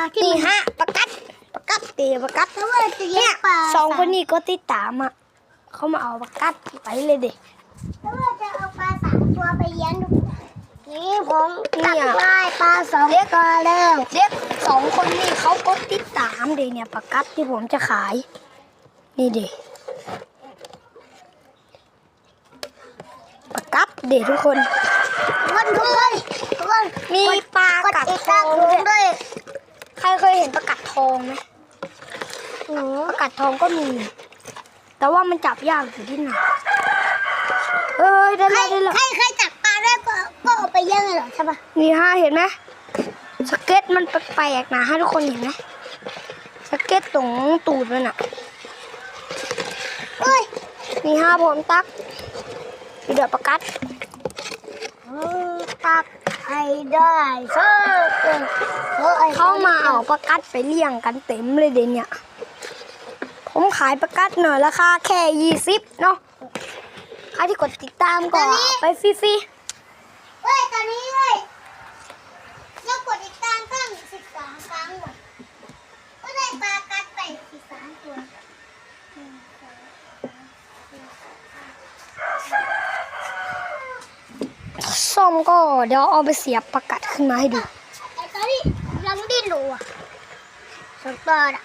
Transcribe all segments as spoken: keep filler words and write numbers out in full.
นี่ฮะประกัดประกัดเตะประกัดเนี่ยสองคนนี้ก็ติดตามอ่ะเขามาเอาประกัดไปเลยเด็กแล้วว่าจะเอาปลาสามตัวไปเลี้ยงดูนี่ผมจับได้ปลาสองตัวแล้วเด็กสองคนนี้เขาก็ติดตามเด็กเนี่ยประกัดที่ผมจะขายนี่เด็กประกัดเด็กทุกคนคนทุกคนทุกคนมีปลากัดทองด้วยใครเคยเห็นประกัดทองไหมประกัดทองก็มีแต่ว่ามันจับยากอยู่ที่ไหนเอ้ยได้แล้วได้แล้วใครใครจับปลาได้ก็ก็เอาไปเลี้ยงเลยเหรอใช่ปะนี่ฮะเห็นไหมสเก็ตมันแปลกๆนะฮะทุกคนเห็นไหมสเก็ตตรงตูดมันอ่ะเอ้ยนี่ฮะผมตักเดือดประกัดตักให้ได้เชิญเขามาเอาประกัดไปเลี้ยงกันเต็มเลยเดี๋ยวนี้ผมขายประกัดหน่อยราคาแค่ยี่สิบเนาะใครที่กดติดตามก็ไปฟรีๆเฮ้ยตอนนี้เฮ้ยเรากดติดตามตั้งสิบสองครั้งหมดก็ได้ปลากัดไปสิบสามตัวส้มก็เดี๋ยวเอาไปเสียบประกัดขึ้นมาให้ดูไอ้ตอนนี้ยังดิ้นอยู่อ่ะสองตัวอ่ะ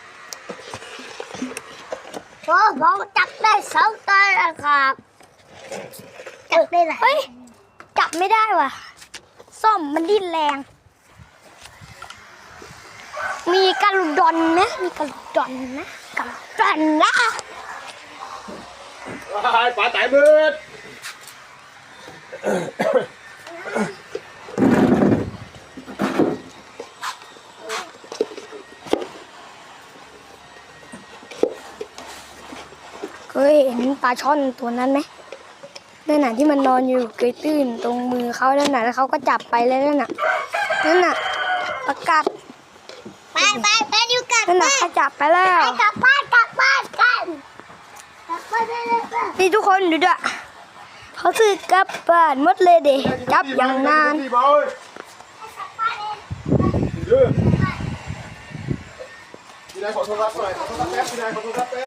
โอ้ผมจับได้สองตัวแล้วครับจับได้ไหมเฮ้ยจับไม่ได้ว่ะส้มมันดิ้นแรงมีกระลุดอนไหมมีกระลุดอนนะกระลุดอนนะปลาไต่มืดเคยเห็นปลาช่อนตัวนั้นไหมนั่นน่ะที่มันนอนอยู่เกยตื้นตรงมือเขานั่นน่ะแล้วเขาก็จับไปเลยนั่นน่ะนั่นน่ะประกัดไปไปไปดูกันนั่นน่ะเขาจับไปแล้วไปกลับบ้านกลับบ้านกันกลับบ้านได้เลยป่ะนี่ทุกคนดูด้วยเขาซื้อกลับบ้านหมดเลยเด็กจับอย่างนานพี่นายขอโทรศัพท์หน่อยขอโทรศัพท์แป๊บพี่นายขอโทรศัพท์แป๊บ